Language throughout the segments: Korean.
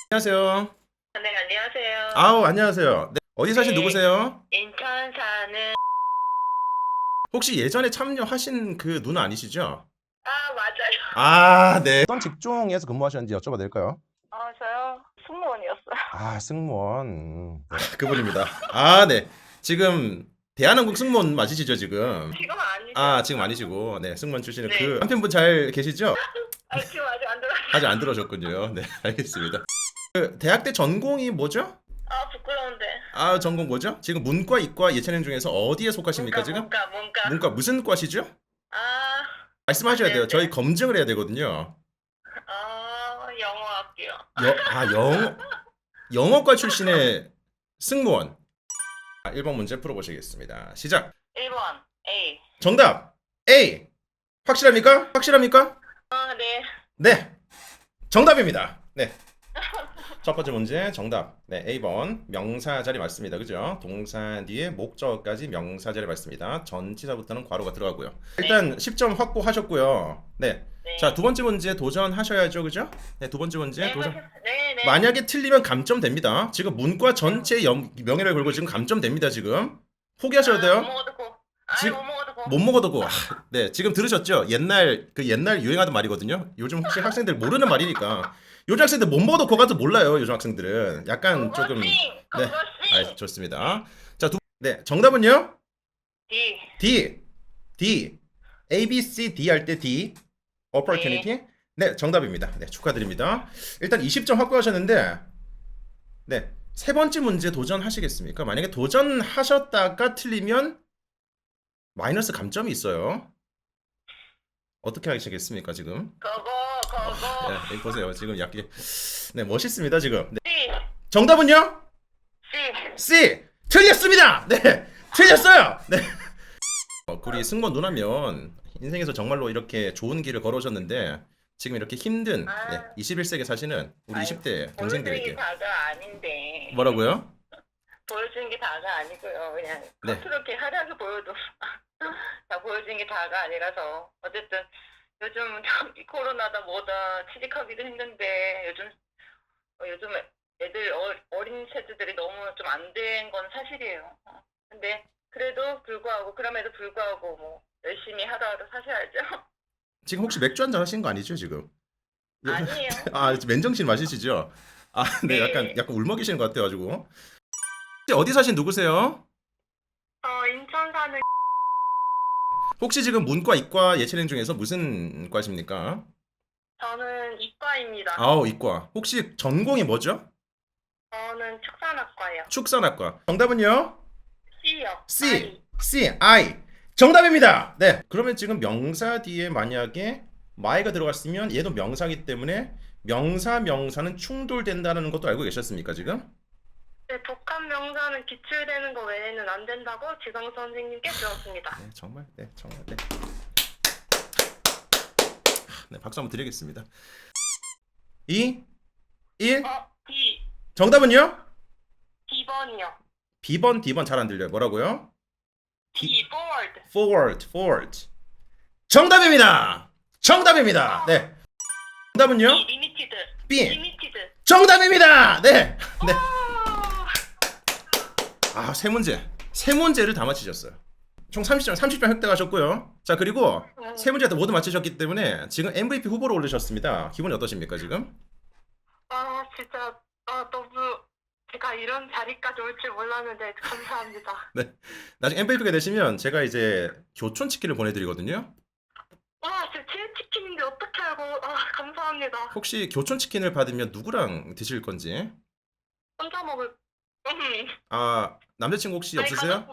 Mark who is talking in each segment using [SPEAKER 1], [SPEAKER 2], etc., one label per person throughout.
[SPEAKER 1] 안녕하세요.
[SPEAKER 2] 네, 안녕하세요.
[SPEAKER 1] 아우, 안녕하세요. 네, 어디 사신
[SPEAKER 2] 네,
[SPEAKER 1] 누구세요?
[SPEAKER 2] 인천 사는,
[SPEAKER 1] 혹시 예전에 참여하신 그 누나 아니시죠?
[SPEAKER 2] 맞아요.
[SPEAKER 1] 아, 네. 어떤 직종에서 근무하셨는지 여쭤봐도 될까요?
[SPEAKER 2] 저요? 승무원이었어요.
[SPEAKER 1] 아, 승무원. 네. 그분입니다. 아, 네. 지금 대한항공 승무원 맞으시죠, 지금?
[SPEAKER 2] 지금 아니죠?
[SPEAKER 1] 아, 지금 아니시고. 네, 승무원 출신의 그
[SPEAKER 2] 네.
[SPEAKER 1] 남편분 잘 계시죠?
[SPEAKER 2] 지금 아직 안 들어갔어요.
[SPEAKER 1] 아직 안 들어오셨군요. 네, 알겠습니다. 그 대학 때 전공이 뭐죠?
[SPEAKER 2] 부끄러운데.
[SPEAKER 1] 아, 전공 뭐죠? 지금 문과, 이과, 예체능 중에서 어디에 속하십니까, 지금?
[SPEAKER 2] 문과.
[SPEAKER 1] 문과 무슨 과시죠?
[SPEAKER 2] 안
[SPEAKER 1] 말씀하셔야 돼요. 저희
[SPEAKER 2] 되는데.
[SPEAKER 1] 검증을 해야 되거든요.
[SPEAKER 2] 영어 할게요.
[SPEAKER 1] 영어과 출신의 승무원. 1번 문제 풀어보시겠습니다. 시작.
[SPEAKER 2] 1번, A.
[SPEAKER 1] 정답. A. 확실합니까? 확실합니까?
[SPEAKER 2] 네.
[SPEAKER 1] 네. 정답입니다. 네. 첫 번째 문제 정답. 네, A번 명사 자리 맞습니다. 그죠? 동사 뒤에 목적까지 명사 자리 맞습니다. 전치사부터는 괄호가 들어가고요. 일단 10점 확보하셨고요. 네. 자,
[SPEAKER 2] 네.
[SPEAKER 1] 두 번째 문제 도전하셔야죠. 그죠? 네, 두 번째 문제
[SPEAKER 2] 네,
[SPEAKER 1] 도전.
[SPEAKER 2] 네, 네.
[SPEAKER 1] 만약에 틀리면 감점 됩니다. 지금 문과 전체 명예를 걸고 지금 감점 됩니다. 지금 포기하셔야
[SPEAKER 2] 못
[SPEAKER 1] 돼요.
[SPEAKER 2] 먹어도 고.
[SPEAKER 1] 지금
[SPEAKER 2] 못 먹어도 고.
[SPEAKER 1] 못 먹어도 고. 네, 지금 들으셨죠? 옛날 유행하던 말이거든요. 요즘 혹시 학생들 모르는 말이니까. 요즘 학생들 못 먹어도 고가도 몰라요. 요즘 학생들은 약간 조금 네,
[SPEAKER 2] 그것이.
[SPEAKER 1] 좋습니다. 자, 네, 정답은요?
[SPEAKER 2] D.
[SPEAKER 1] D, D, A, B, C, D 할 때 D,
[SPEAKER 2] 네.
[SPEAKER 1] opportunity. 네, 정답입니다. 네, 축하드립니다. 일단 20점 확보하셨는데, 네, 세 번째 문제 도전하시겠습니까? 만약에 도전하셨다가 틀리면 마이너스 감점이 있어요. 어떻게 하시겠습니까, 지금?
[SPEAKER 2] 그거.
[SPEAKER 1] 네, 여기 보세요. 지금 약간 네, 멋있습니다, 지금. 네.
[SPEAKER 2] C.
[SPEAKER 1] 정답은요?
[SPEAKER 2] C.
[SPEAKER 1] C. 틀렸습니다. 네, 틀렸어요. 네. 우리 승무원 누나면 인생에서 정말로 이렇게 좋은 길을 걸어오셨는데 지금 이렇게 힘든 네, 21세기 사시는 우리
[SPEAKER 2] 아유,
[SPEAKER 1] 20대
[SPEAKER 2] 보여주는 게
[SPEAKER 1] 동생들에게
[SPEAKER 2] 다가 아닌데.
[SPEAKER 1] 뭐라고요?
[SPEAKER 2] 보여주는 게 다가 아니고요. 그냥
[SPEAKER 1] 네,
[SPEAKER 2] 겉으로 이렇게 하려서 보여도 다 보여주는 게 다가 아니라서. 어쨌든 요즘 이 코로나다 뭐다 취직하기도 힘든데 요즘 애들 어린 세대들이 너무 좀 안 된 건 사실이에요. 근데 그럼에도 불구하고 뭐 열심히 하다가도 사셔야죠.
[SPEAKER 1] 지금 혹시 맥주 한잔 하신 거 아니죠, 지금?
[SPEAKER 2] 아니에요.
[SPEAKER 1] 아, 맨정신 마시시죠? 아, 네,
[SPEAKER 2] 네.
[SPEAKER 1] 약간 울먹이시는 것 같아가지고. 혹시 어디 사신 누구세요?
[SPEAKER 2] 인천 사는
[SPEAKER 1] 혹시 지금 문과, 이과, 예체능 중에서 무슨 과십니까?
[SPEAKER 2] 저는 이과입니다.
[SPEAKER 1] 아우, 이과. 혹시 전공이 뭐죠?
[SPEAKER 2] 저는 축산학과요.
[SPEAKER 1] 축산학과. 정답은요?
[SPEAKER 2] C요.
[SPEAKER 1] C,
[SPEAKER 2] I.
[SPEAKER 1] I. 정답입니다. 네. 그러면 지금 명사 뒤에 만약에 my가 들어갔으면 얘도 명사이기 때문에 명사는 충돌된다는 것도 알고 계셨습니까, 지금?
[SPEAKER 2] 네, 독한 명사는 기출되는 거 외에는 안 된다고 지성 선생님께 들었습니다.
[SPEAKER 1] 네, 정말. 네, 정말. 네. 네, 박수 한번 드리겠습니다. 2, 1.
[SPEAKER 2] D.
[SPEAKER 1] 정답은요?
[SPEAKER 2] D번이요.
[SPEAKER 1] B번, D번 잘 안 들려요. 뭐라고요?
[SPEAKER 2] D. forward.
[SPEAKER 1] forward. 정답입니다. 정답입니다. 네. 정답은요?
[SPEAKER 2] Limited.
[SPEAKER 1] B.
[SPEAKER 2] Limited.
[SPEAKER 1] 정답입니다. 네. 네.
[SPEAKER 2] 오!
[SPEAKER 1] 아, 세 문제를 다 맞히셨어요. 총 30점 획득하셨고요. 자, 그리고 세 문제 다 모두 맞히셨기 때문에 지금 MVP 후보로 오르셨습니다. 기분이 어떠십니까, 지금?
[SPEAKER 2] 진짜 너무 제가 이런 자리까지 올 줄 몰랐는데 감사합니다.
[SPEAKER 1] 네. 나중에 MVP가 되시면 제가 이제 교촌 치킨을 보내드리거든요.
[SPEAKER 2] 진짜 치킨인데 어떻게 알고? 감사합니다.
[SPEAKER 1] 혹시 교촌 치킨을 받으면 누구랑 드실 건지?
[SPEAKER 2] 혼자 먹을.
[SPEAKER 1] 아, 남자친구 혹시
[SPEAKER 2] 아니,
[SPEAKER 1] 없으세요?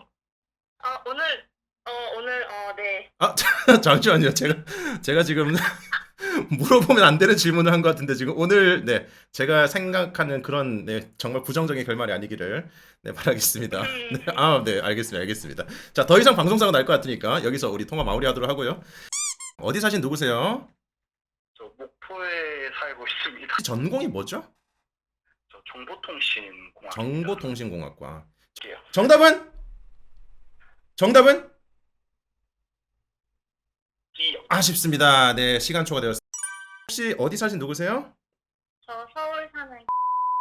[SPEAKER 2] 오늘 네.
[SPEAKER 1] 아, 잠시만요. 제가 지금 물어보면 안 되는 질문을 한 것 같은데 지금 오늘 네 제가 생각하는 그런 네 정말 부정적인 결말이 아니기를 네 바라겠습니다. 네, 네 알겠습니다. 자, 더 이상 방송사고 날 것 같으니까 여기서 우리 통화 마무리하도록 하고요. 어디 사신 누구세요?
[SPEAKER 3] 저 목포에 살고 있습니다.
[SPEAKER 1] 전공이 뭐죠?
[SPEAKER 3] 저 정보통신공학입니다.
[SPEAKER 1] 정보통신공학과.
[SPEAKER 3] 요
[SPEAKER 1] 정답은? 정답은?
[SPEAKER 3] D요.
[SPEAKER 1] 아쉽습니다. 네, 시간 초과되었습니다. 혹시 어디 사신 누구세요?
[SPEAKER 2] 저 서울 사는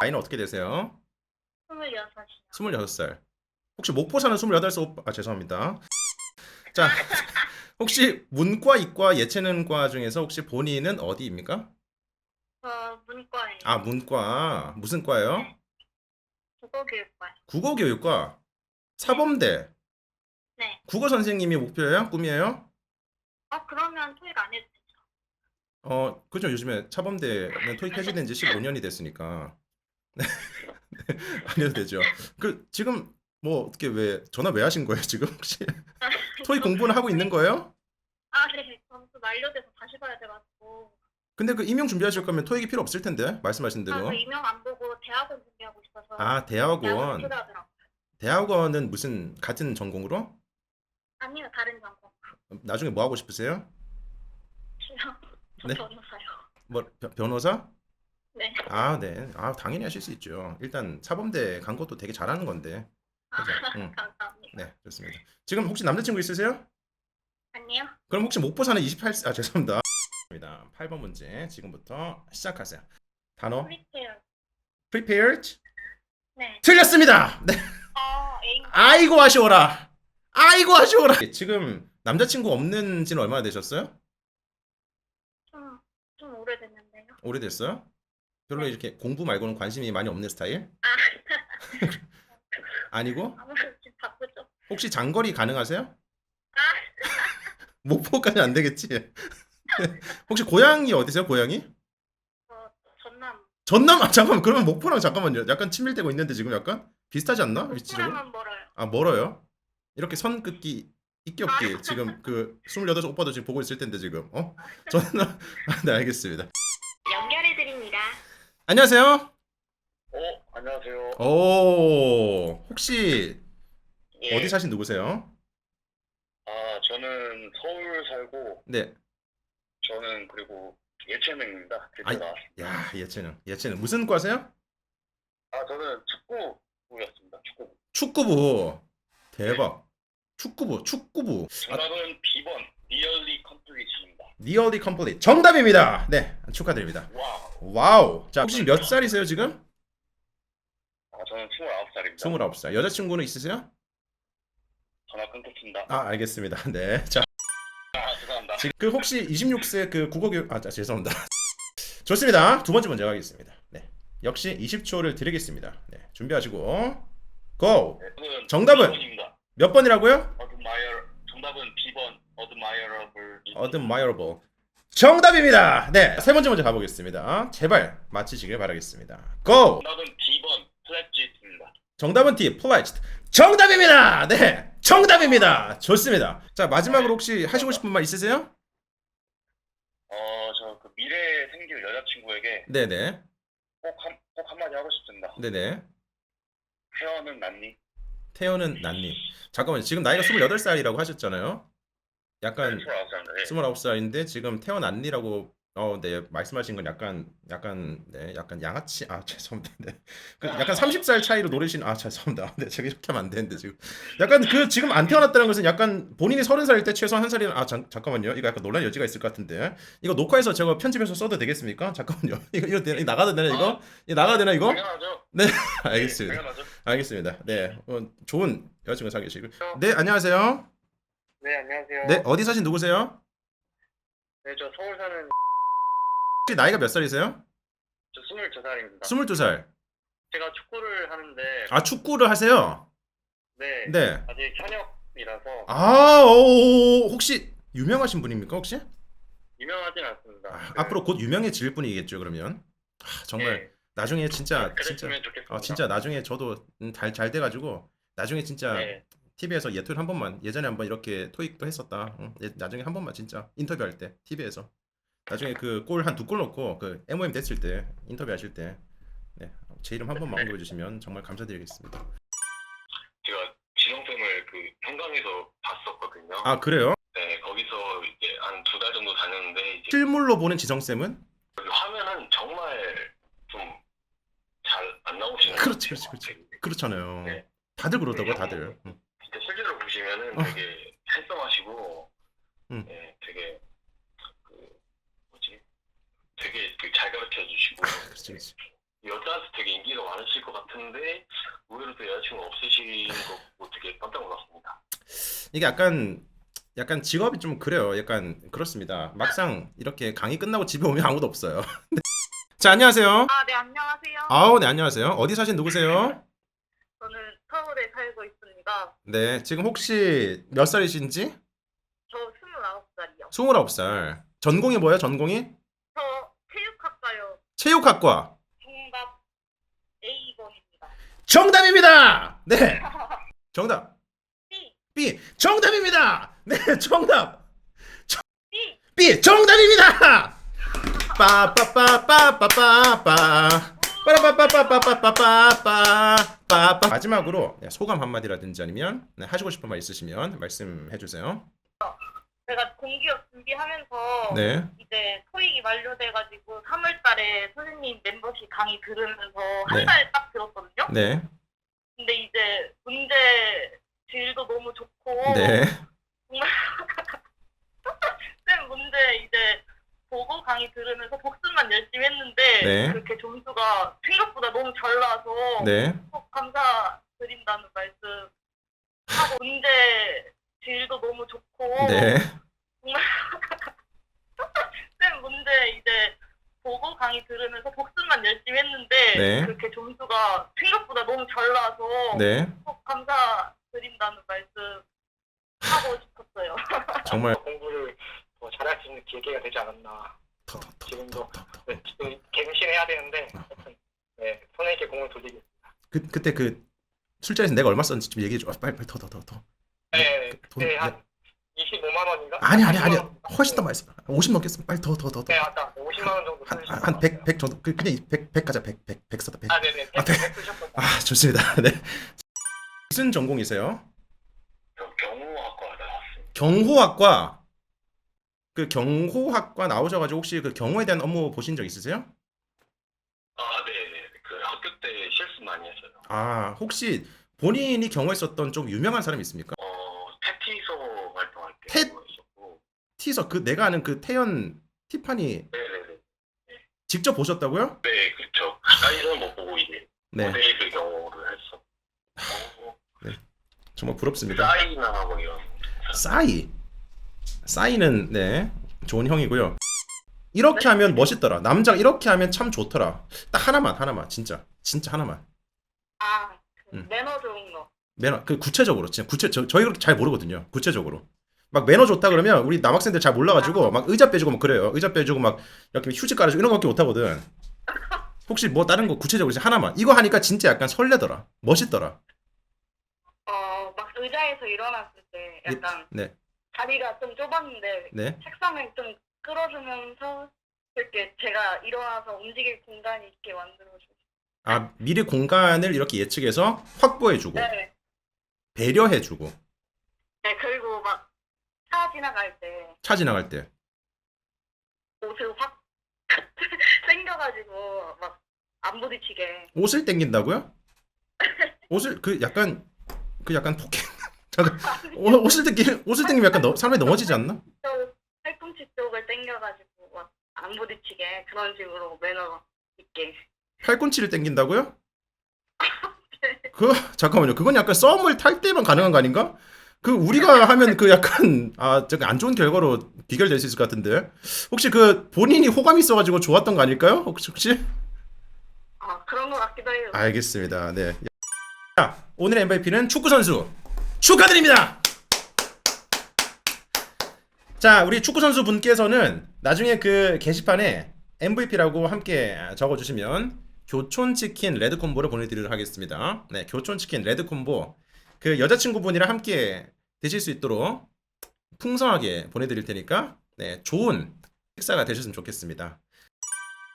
[SPEAKER 1] 나이는 어떻게 되세요?
[SPEAKER 2] 26이요.
[SPEAKER 1] 26살. 혹시 목포 사는 28살 오빠, 아, 죄송합니다. 자, 혹시 문과, 이과, 예체능과 중에서 혹시 본인은 어디입니까?
[SPEAKER 2] 문과예요.
[SPEAKER 1] 아, 문과. 무슨 과예요?
[SPEAKER 2] 네. 국어교육과요.
[SPEAKER 1] 국어교육과. 사범대.
[SPEAKER 2] 네.
[SPEAKER 1] 국어 선생님이 목표예요? 꿈이에요?
[SPEAKER 2] 그러면 토익 안 해도 되죠?
[SPEAKER 1] 그죠. 요즘에 사범대는 토익 폐지된 지 15년이 됐으니까. 안 해도 되죠. 지금 뭐 어떻게 왜 전화 왜 하신 거예요, 지금 혹시? 토익 공부는 하고 있는 거예요?
[SPEAKER 2] 네. 점수 만료돼서 다시 봐야 돼가지고.
[SPEAKER 1] 근데 임용 준비하실 거면 토익이 필요 없을 텐데. 말씀하신 대로.
[SPEAKER 2] 저 임용 안 보고 대학원 준비하고 있어서.
[SPEAKER 1] 아,
[SPEAKER 2] 대학원
[SPEAKER 1] 대학원.
[SPEAKER 2] 필요하더라고요.
[SPEAKER 1] 대학원은 무슨 같은 전공으로?
[SPEAKER 2] 아니요, 다른 전공.
[SPEAKER 1] 나중에 뭐 하고 싶으세요?
[SPEAKER 2] 저
[SPEAKER 1] 네.
[SPEAKER 2] 변호사요.
[SPEAKER 1] 뭐 변호사?
[SPEAKER 2] 네.
[SPEAKER 1] 아, 네. 아, 당연히 하실 수 있죠. 일단 사범대 간 것도 되게 잘하는 건데. 그죠? 응.
[SPEAKER 2] 감사합니다.
[SPEAKER 1] 네, 좋습니다. 지금 혹시 남자친구 있으세요?
[SPEAKER 2] 아니요.
[SPEAKER 1] 그럼 혹시 목포 사는 28세, 아, 죄송합니다. 8번 문제 지금부터 시작하세요. 단어
[SPEAKER 2] 프리페어.
[SPEAKER 1] prepared?
[SPEAKER 2] 네.
[SPEAKER 1] 틀렸습니다. 네.
[SPEAKER 2] 애인
[SPEAKER 1] 아이고 아쉬워라. 아이고 아쉬워라. 지금 남자친구 없는 지는 얼마나 되셨어요?
[SPEAKER 2] 좀 오래됐는데요.
[SPEAKER 1] 오래됐어요? 별로 이렇게 공부 말고는 관심이 많이 없는 스타일?
[SPEAKER 2] 아,
[SPEAKER 1] 아니고?
[SPEAKER 2] 아무래도 좀 바쁘죠.
[SPEAKER 1] 혹시 장거리 가능하세요?
[SPEAKER 2] 아,
[SPEAKER 1] 목포까지 안 되겠지? 혹시 고향이 어디세요? 고향이?
[SPEAKER 2] 전남.
[SPEAKER 1] 전남? 아, 잠깐만. 그러면 목포랑 잠깐만요. 약간 친밀되고 있는데 지금 약간 비슷하지 않나? 위치적으로?
[SPEAKER 2] 목포랑은 멀어요.
[SPEAKER 1] 아, 멀어요? 이렇게 선 긋기 있기 없기 지금 28 오빠도 지금 보고 있을 텐데 지금 저는 네, 알겠습니다.
[SPEAKER 2] 연결해 드립니다.
[SPEAKER 1] 안녕하세요.
[SPEAKER 3] 안녕하세요.
[SPEAKER 1] 혹시
[SPEAKER 3] 예.
[SPEAKER 1] 어디 사신 누구세요?
[SPEAKER 3] 저는 서울 살고,
[SPEAKER 1] 네.
[SPEAKER 3] 저는 그리고 예체능입니다.
[SPEAKER 1] 아이,
[SPEAKER 3] 제가.
[SPEAKER 1] 야, 예체능 무슨 과세요?
[SPEAKER 3] 저는 축구부였습니다. 축구부.
[SPEAKER 1] 축구부. 대박. 축구부.
[SPEAKER 3] 정답은 B번, Nearly Complete입니다.
[SPEAKER 1] Nearly complete. 정답입니다. 네, 축하드립니다.
[SPEAKER 3] 와우.
[SPEAKER 1] 와우. 자, 혹시 몇 살이세요 지금?
[SPEAKER 3] 저는 29살입니다.
[SPEAKER 1] 29살. 여자친구는 있으세요?
[SPEAKER 3] 전화 끊겠습니다.
[SPEAKER 1] 아, 알겠습니다. 네. 자,
[SPEAKER 3] 죄송합니다.
[SPEAKER 1] 지금 혹시 26세 국어교육 죄송합니다. 좋습니다. 두 번째 문제 가겠습니다. 네. 역시 20초를 드리겠습니다. 네. 준비하시고 고. 정답은?
[SPEAKER 3] B번입니다.
[SPEAKER 1] 몇 번이라고요?
[SPEAKER 3] 정답은 B번, Admirable.
[SPEAKER 1] Admirable. 정답입니다. 네. 세 번째 문제 가보겠습니다. 제발 맞히시길 바라겠습니다. 고.
[SPEAKER 3] 정답은 B번, Pledge입니다.
[SPEAKER 1] 정답은 D. Pledged. 정답입니다. 네. 정답입니다. 좋습니다. 자, 마지막으로 혹시 하시고 싶은 말 있으세요?
[SPEAKER 3] 저 그 미래에 생길 여자친구에게
[SPEAKER 1] 네네.
[SPEAKER 3] 꼭 한마디 하고 싶습니다.
[SPEAKER 1] 네네.
[SPEAKER 3] 태어는 낫니?
[SPEAKER 1] 태연은 난님. 잠깐만요. 지금 나이가 28살이라고 하셨잖아요. 약간
[SPEAKER 3] 29살인데.
[SPEAKER 1] 29살인데 지금 태연 안니라고 네, 말씀하신 건 약간 양아치 죄송합니다. 네. 약간 30살 차이로 노리신 죄송합니다. 네, 제가 이렇게 하면 안 되는데 지금 약간 지금 안 태어났다는 것은 약간 본인이 30살일 때 최소한 한 살이나 잠깐만요. 이거 약간 논란 여지가 있을 것 같은데 이거 녹화해서 제가 편집해서 써도 되겠습니까? 잠깐만요. 이거 나가도 되나 이거? 이거 나가도 되나 이거?
[SPEAKER 3] 당연하죠.
[SPEAKER 1] 네,
[SPEAKER 3] 네,
[SPEAKER 1] 알겠습니다.
[SPEAKER 3] 당연하죠.
[SPEAKER 1] 알겠습니다. 네, 좋은 여자친구 사귀시고. 네, 안녕하세요.
[SPEAKER 3] 네, 안녕하세요.
[SPEAKER 1] 네, 어디 사신 누구세요?
[SPEAKER 3] 네, 저 서울 사는
[SPEAKER 1] 혹시 나이가 몇 살이세요?
[SPEAKER 3] 저 22살입니다.
[SPEAKER 1] 22살.
[SPEAKER 3] 제가 축구를 하는데
[SPEAKER 1] 축구를 하세요?
[SPEAKER 3] 네,
[SPEAKER 1] 네.
[SPEAKER 3] 아직 현역이라서
[SPEAKER 1] 혹시 유명하신 분입니까, 혹시?
[SPEAKER 3] 유명하진 않습니다.
[SPEAKER 1] 앞으로 곧 유명해질 분이겠죠, 그러면. 정말
[SPEAKER 3] 네,
[SPEAKER 1] 나중에 진짜
[SPEAKER 3] 그랬으면 좋겠습니다.
[SPEAKER 1] 진짜 나중에 저도 잘 돼가지고 나중에 진짜
[SPEAKER 3] 네,
[SPEAKER 1] TV에서 예토일 한 번만 예전에 한번 이렇게 토익도 했었다. 나중에 한 번만 진짜 인터뷰할 때 TV에서 나중에 골 한 2골 넣고 MOM 됐을 때 인터뷰하실 때 네, 제 이름 한 번만 언급해 주시면 정말 감사드리겠습니다.
[SPEAKER 3] 제가 지성쌤을 현강에서 봤었거든요.
[SPEAKER 1] 그래요?
[SPEAKER 3] 네, 거기서 이제 한 2달 정도 다녔는데 이제
[SPEAKER 1] 실물로 보는 지성쌤은?
[SPEAKER 3] 화면은 정말 좀 잘 안 나오시는 것
[SPEAKER 1] 그렇지.
[SPEAKER 3] 같아요.
[SPEAKER 1] 그렇잖아요.
[SPEAKER 3] 네.
[SPEAKER 1] 다들 그러더라고, 다들.
[SPEAKER 3] 진짜 실제로 보시면은 되게 핸섬하시고 네, 되게 되게 잘 가르쳐 주시고
[SPEAKER 1] 그렇지.
[SPEAKER 3] 여자한테 되게 인기가 많으실 것 같은데 의외로 또 여자친구 없으신 거 보고 되게 깜짝 놀랐습니다.
[SPEAKER 1] 이게 약간 직업이 좀 그래요. 약간 그렇습니다. 막상 이렇게 강의 끝나고 집에 오면 아무도 없어요. 자, 안녕하세요.
[SPEAKER 2] 아, 네, 안녕하세요.
[SPEAKER 1] 아우, 네, 안녕하세요. 어디 사신 누구세요?
[SPEAKER 2] 저는 서울에 살고 있습니다.
[SPEAKER 1] 네, 지금 혹시 몇 살이신지?
[SPEAKER 2] 저 29살이요.
[SPEAKER 1] 29살. 전공이 뭐예요? 전공이?
[SPEAKER 2] 저 체육학과요.
[SPEAKER 1] 체육학과.
[SPEAKER 2] 정답 A번입니다.
[SPEAKER 1] 정답입니다. 네. 정답.
[SPEAKER 2] B,
[SPEAKER 1] B. 정답입니다. 네, 정답.
[SPEAKER 2] B.
[SPEAKER 1] B. 정답입니다. 빠빠빠빠빠빠빠. 빠라빠빠빠빠빠빠빠. 마지막으로 소감 한마디라든지 아니면 하시고 싶은 말 있으시면 말씀해 주세요.
[SPEAKER 2] 제가 공기업 준비하면서
[SPEAKER 1] 네.
[SPEAKER 2] 이제 토익이 만료돼가지고 3월달에 선생님 멤버십 강의 들으면서
[SPEAKER 1] 네.
[SPEAKER 2] 한 달 딱 들었거든요.
[SPEAKER 1] 네.
[SPEAKER 2] 근데 이제 문제 질도 너무 좋고
[SPEAKER 1] 네.
[SPEAKER 2] 정말 쌤 문제 이제 보고 강의 들으면서 복습만 열심히 했는데
[SPEAKER 1] 네.
[SPEAKER 2] 그렇게 점수가 생각보다 너무 잘 나와서
[SPEAKER 1] 네.
[SPEAKER 2] 꼭 감사드린다는 말씀 하고 문제 질도 너무 좋고
[SPEAKER 1] 네.
[SPEAKER 2] 정말 쌤 문제 이제 보고 강의 들으면서 복습만 열심히 했는데
[SPEAKER 1] 네.
[SPEAKER 2] 그렇게 점수가 생각보다 너무 잘 나와서
[SPEAKER 1] 네.
[SPEAKER 2] 꼭 감사드린다는 말씀 하고 싶었어요.
[SPEAKER 1] 정말
[SPEAKER 4] 공부를 더 잘할 수 있는 기회가 되지 않았나. 지금도
[SPEAKER 1] 더.
[SPEAKER 4] 네, 지금 갱신해야 되는데 하여튼, 네, 선생님께 공을 돌리겠습니다.
[SPEAKER 1] 그때 그 술자리에서 내가 얼마 썼는지 좀 얘기해 줘. 빨리 더.
[SPEAKER 4] 네,
[SPEAKER 1] 돈,
[SPEAKER 4] 그때 한 25만 원인가?
[SPEAKER 1] 아니
[SPEAKER 4] 30만 원.
[SPEAKER 1] 훨씬 더 많이 써. 50 넘겠어. 빨리 더.
[SPEAKER 4] 네, 아까 50만 원 정도 쓰셨던
[SPEAKER 1] 한
[SPEAKER 4] 것
[SPEAKER 1] 100
[SPEAKER 4] 같아요.
[SPEAKER 1] 정도. 그냥 100 가자. 100 써다 100.
[SPEAKER 4] 아, 네네.
[SPEAKER 1] 아,
[SPEAKER 4] 100 쓰셨던 것 같아요.
[SPEAKER 1] 아, 좋습니다. 네. 무슨 전공이세요?
[SPEAKER 3] 저 경호학과 나왔습니다.
[SPEAKER 1] 경호학과. 그 경호학과 나오셔 가지고 혹시 그 경호에 대한 업무 보신 적 있으세요?
[SPEAKER 3] 아, 네네. 그 학교 때 실수 많이 했어요.
[SPEAKER 1] 아, 혹시 본인이 경호했었던 좀 유명한 사람이 있습니까?
[SPEAKER 3] 테티소 활동할 때
[SPEAKER 1] 테-
[SPEAKER 3] 있었고,
[SPEAKER 1] 티서 그 내가 아는 그 태연 티파니
[SPEAKER 3] 네네네.
[SPEAKER 1] 직접 보셨다고요?
[SPEAKER 3] 네, 그쵸. 사이즈는 못 보고 이제
[SPEAKER 1] 네.
[SPEAKER 3] 모델 경호를 했었고,
[SPEAKER 1] 정말 부럽습니다.
[SPEAKER 3] 사이나 뭐 이런.
[SPEAKER 1] 싸이는 네 좋은 형이고요. 이렇게 하면 멋있더라. 남자가 이렇게 하면 참 좋더라. 딱 하나만 진짜 하나만.
[SPEAKER 2] 아, 그
[SPEAKER 1] 음.
[SPEAKER 2] 매너 좋은 거.
[SPEAKER 1] 매너 그 구체적으로 진짜 저희 그렇게 잘 모르거든요. 구체적으로 막 매너 좋다 그러면 우리 남학생들 잘 몰라가지고 막 의자 빼주고 막 그래요. 의자 빼주고 막 이렇게 휴지 깔아주고 이런 거밖에 못하거든. 혹시 뭐 다른 거 구체적으로 진짜 하나만 이거 하니까 진짜 약간 설레더라. 멋있더라.
[SPEAKER 2] 막 의자에서 일어났을 때 약간
[SPEAKER 1] 네.
[SPEAKER 2] 자리가 좀 좁았는데
[SPEAKER 1] 네.
[SPEAKER 2] 책상을 좀 끌어주면서 이렇게 제가 일어나서 움직일 공간이 있게 만들어주고.
[SPEAKER 1] 아 미리 공간을 이렇게 예측해서 확보해주고
[SPEAKER 2] 네.
[SPEAKER 1] 배려해주고
[SPEAKER 2] 네, 그리고 막 차 지나갈 때
[SPEAKER 1] 차 지나갈 때
[SPEAKER 2] 옷을 확 당겨가지고 막 안 부딪히게.
[SPEAKER 1] 옷을 당긴다고요? 옷을 그 약간 폭행 잠깐 옷을 당기면 약간 사람이 넘어지지 않나?
[SPEAKER 2] 또 팔꿈치 쪽을 당겨가지고 막 안 부딪히게 그런 식으로 매너 있게.
[SPEAKER 1] 팔꿈치를 당긴다고요? 그 잠깐만요. 그건 약간 썸을 탈 때만 가능한 거 아닌가? 그 우리가 하면 그 약간 저기 안 좋은 결과로 비결될 수 있을 것 같은데 혹시 그 본인이 호감이 있어가지고 좋았던 거 아닐까요? 혹시?
[SPEAKER 2] 아, 그런 것 같기도 해요.
[SPEAKER 1] 알겠습니다. 네. 자, 오늘의 MVP는 축구 선수 축하드립니다. 자, 우리 축구 선수 분께서는 나중에 그 게시판에 MVP라고 함께 적어주시면 교촌치킨 레드 콤보를 보내드리도록 하겠습니다. 네, 교촌치킨 레드 콤보 그 여자친구분이랑 함께 드실 수 있도록 풍성하게 보내드릴 테니까 네, 좋은 식사가 되셨으면 좋겠습니다.